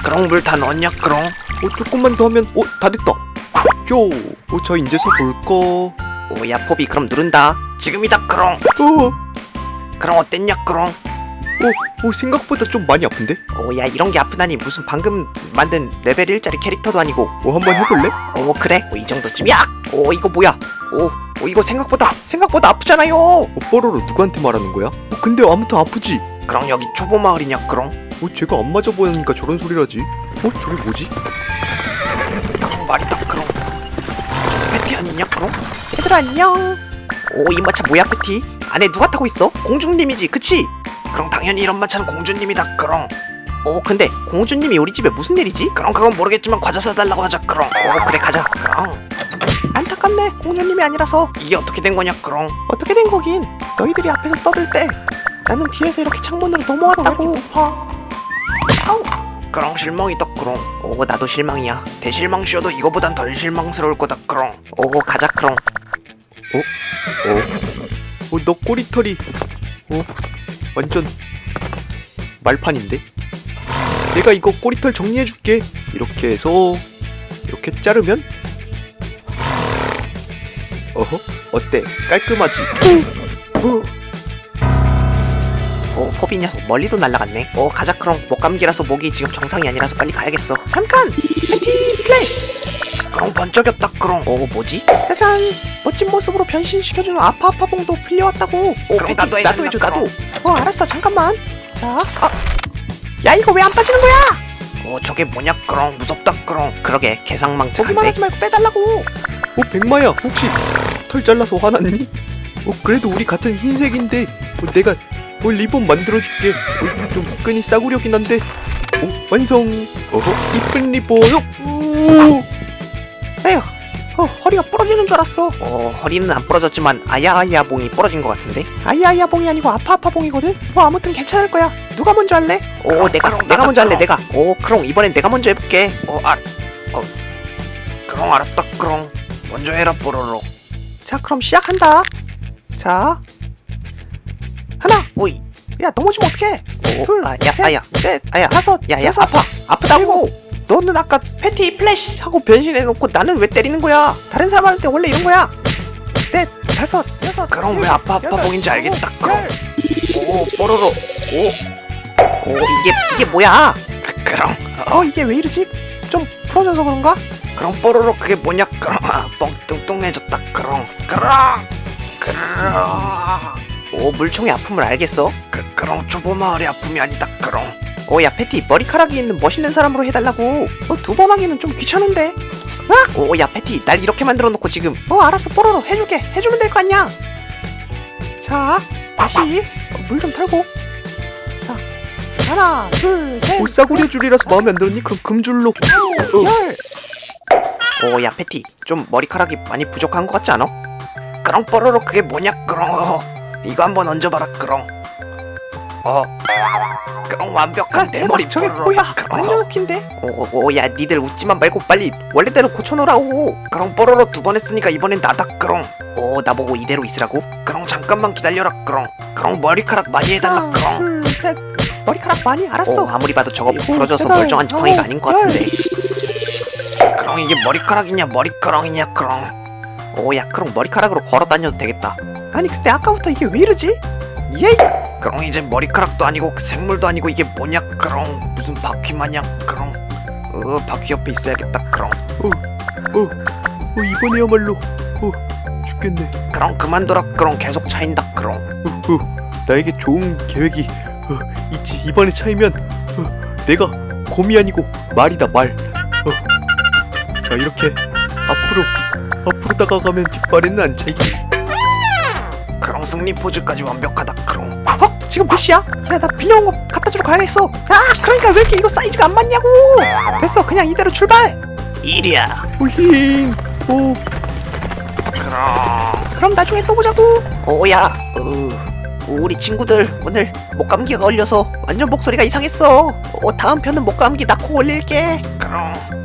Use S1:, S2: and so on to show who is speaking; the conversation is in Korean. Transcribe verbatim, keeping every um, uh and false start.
S1: 그럼 물 다 넣었냐 그럼?
S2: 어 조금만 더 하면 어 다 됐다. 쪼. 어 자 이제서 볼까.
S1: 오야 포비 그럼 누른다. 지금이다 그럼.
S2: 어.
S1: 그럼 어땠냐 그럼?
S2: 어, 어 생각보다 좀 많이 아픈데?
S1: 오야 이런 게 아프다니 무슨 방금 만든 레벨 일짜리 캐릭터도 아니고.
S2: 어 한번 해볼래?
S1: 오 그래? 오, 이 정도쯤이야? 오 이거 뭐야? 오, 오 이거 생각보다 생각보다 아프잖아요.
S2: 어 뽀로로 누구한테 말하는 거야? 어 근데 아무튼 아프지?
S1: 그럼 여기 초보 마을이냐 그럼?
S2: 어 쟤가 안 맞아 보이니까 저런 소리라지. 어 저게 뭐지?
S1: 그럼 말이다 그럼. 저 패티 아니냐 그럼?
S3: 얘들아 안녕.
S1: 오 이 마차 뭐야 패티? 안에 누가 타고 있어? 공주님이지 그치? 그럼 당연히 이런 마차는 공주님이다 그럼. 오 근데 공주님이 우리 집에 무슨 일이지? 그럼 그건 모르겠지만 과자 사달라고 하자 그럼. 오 그래 가자 그럼.
S3: 안타깝네. 공주님이 아니라서.
S1: 이게 어떻게 된 거냐 그럼?
S3: 어떻게 된 거긴. 너희들이 앞에서 떠들 때 나는 뒤에서 이렇게 창문으로 넘어왔다고.
S1: 아우 그럼 실망이다 그럼. 오 나도 실망이야. 대실망쇼도 이거보단 덜 실망스러울 거다 그럼. 오 가자 그럼.
S2: 어? 어 너 꼬리털이 어 완전 말판인데? 내가 이거 꼬리털 정리해줄게. 이렇게 해서 이렇게 자르면 어허 어때 깔끔하지?
S1: 오 포비 녀석 멀리도 날아갔네. 오 가자 그럼. 목감기라서 목이 지금 정상이 아니라서 빨리 가야겠어.
S3: 잠깐. 패티 플래시.
S1: 그럼 번쩍였다 그럼. 오 뭐지?
S3: 짜잔. 멋진 모습으로 변신시켜주는 아파아파봉도 빌려왔다고.
S1: 오 그럼 나도 해줘 나도 해줘 나도.
S3: 어 알았어 잠깐만. 자. 아. 야 이거 왜 안 빠지는 거야?
S1: 오 저게 뭐냐 그럼. 무섭다 그럼. 그러게
S3: 보기만
S1: 개상망측한데.
S3: 하지 말고 빼달라고.
S2: 어 백마야 혹시 털 잘라서 화났니? 어 그래도 우리 같은 흰색인데 어, 내가 어, 리본 만들어줄게. 어, 좀 끈이 싸구려긴 한데 어 완성. 어허 이쁜 리본. 오.
S3: 에휴. 어 허리가 부러지는 줄 알았어.
S1: 어 허리는 안 부러졌지만 아야아야봉이 부러진 것 같은데.
S3: 아이아이아봉이 아니고 아파아파봉이거든. 뭐 아무튼 괜찮을 거야. 누가 먼저 할래?
S1: 오 내가
S2: 그럼,
S1: 내가 먼저 할래
S2: 그럼.
S1: 내가. 오 그럼 이번엔 내가 먼저 해볼게. 어아 어. 그럼 알았다 그럼. 먼저 해라 뽀로로.
S3: 자 그럼 시작한다. 자 하나.
S1: 우이.
S3: 야 넘어지면 어떡해.
S1: 오,
S3: 둘,
S1: 아, 야,
S3: 셋,
S1: 아야,
S3: 넷,
S1: 아야,
S3: 다섯,
S1: 야야
S3: 여섯,
S1: 아파 아프다고.
S3: 일곱. 너는 아까 패티 플래시 하고 변신해놓고 나는 왜 때리는 거야? 다른 사람 할 때 원래 이런 거야. 넷, 다섯, 여섯.
S1: 그럼 왜
S3: 일곱,
S1: 아파 아파
S3: 여덟,
S1: 보인지 알겠다
S3: 아홉,
S1: 그럼.
S3: 열.
S1: 오 뽀로로. 오. 오 이게 이게 뭐야? 그, 그럼 어,
S3: 어 이게 왜 이러지? 좀 풀어져서 그런가?
S1: 그럼 뽀로로 그게 뭐냐 그럼. 아, 뻥 뚱뚱해졌다 그럼. 그럼 그럼. 오 물총의 아픔을 알겠어? 그 그럼 초보 마을의 아픔이 아니다 그럼.
S3: 어 야 패티 머리카락이 있는 멋있는 사람으로 해달라고. 어 두 번 하기는 좀 귀찮은데.
S1: 오 야 패티 날 이렇게 만들어 놓고 지금.
S3: 어 알았어 뽀로로 해줄게. 해주면 될 거 아니야. 자 다시 물 좀 털고. 자 하나 둘셋
S2: 어 싸구려 줄이라서 마음에 안 들었니? 그럼 금줄로. 어.
S3: 열.
S1: 오 야 패티 좀 머리카락이 많이 부족한 것 같지 않아? 그럼 뽀로로 그게 뭐냐 그럼. 이거 한번 얹어봐라 그럼. 어 그럼 완벽한 내 머리
S3: 저게
S1: 뽀로로.
S3: 뭐야?
S1: 그럼.
S3: 완전 웃긴데.
S1: 오야 니들 웃지만 말고 빨리 원래대로 고쳐놓으라고. 그럼 뽀로로 두 번 했으니까 이번엔 나다 그럼. 오 나보고 이대로 있으라고? 그럼 잠깐만 기다려라 그럼. 그럼 머리카락 많이 해달라
S3: 하나
S1: 그럼.
S3: 둘셋 머리카락 많이 알았어.
S1: 오 아무리 봐도 저거
S3: 일곱,
S1: 부러져서
S3: 여덟,
S1: 멀쩡한 지팡이가
S3: 아홉,
S1: 아닌 것 같은데. 그럼 이게 머리카락이냐 머리카락이냐 그럼. 오야 그럼 머리카락으로 걸어 다녀도 되겠다.
S3: 아니 근데 아까부터 이게 왜 이러지? 예이.
S1: 그럼 이제 머리카락도 아니고 그 생물도 아니고 이게 뭐냐 그럼. 무슨 바퀴 마냥 그럼. 어 바퀴 옆에 있어야겠다 그럼.
S2: 어, 어, 어 이번에야말로 어 죽겠네.
S1: 그럼 그만둬라 그럼. 계속 차인다 그럼.
S2: 어, 어 나에게 좋은 계획이 어, 있지. 이번에 차이면 어, 내가 곰이 아니고 말이다 말. 어, 자 이렇게 앞으로 앞으로 다가가면 뒷발에는 안 차이지.
S1: 그럼 승리 포즈까지 완벽하다 그럼.
S3: 어 지금 몇 시야? 야 나 빌려온 거 갖다 주러 가야겠어. 아 그러니까 왜 이렇게 이거 사이즈가 안 맞냐고. 됐어 그냥 이대로 출발.
S1: 일이야.
S2: 오힝. 오.
S1: 그럼.
S3: 그럼 나중에 또 보자고.
S1: 오야. 어, 우리 친구들 오늘 목감기가 걸려서 완전 목소리가 이상했어. 어, 다음 편은 목감기 낳고 올릴게. 그럼.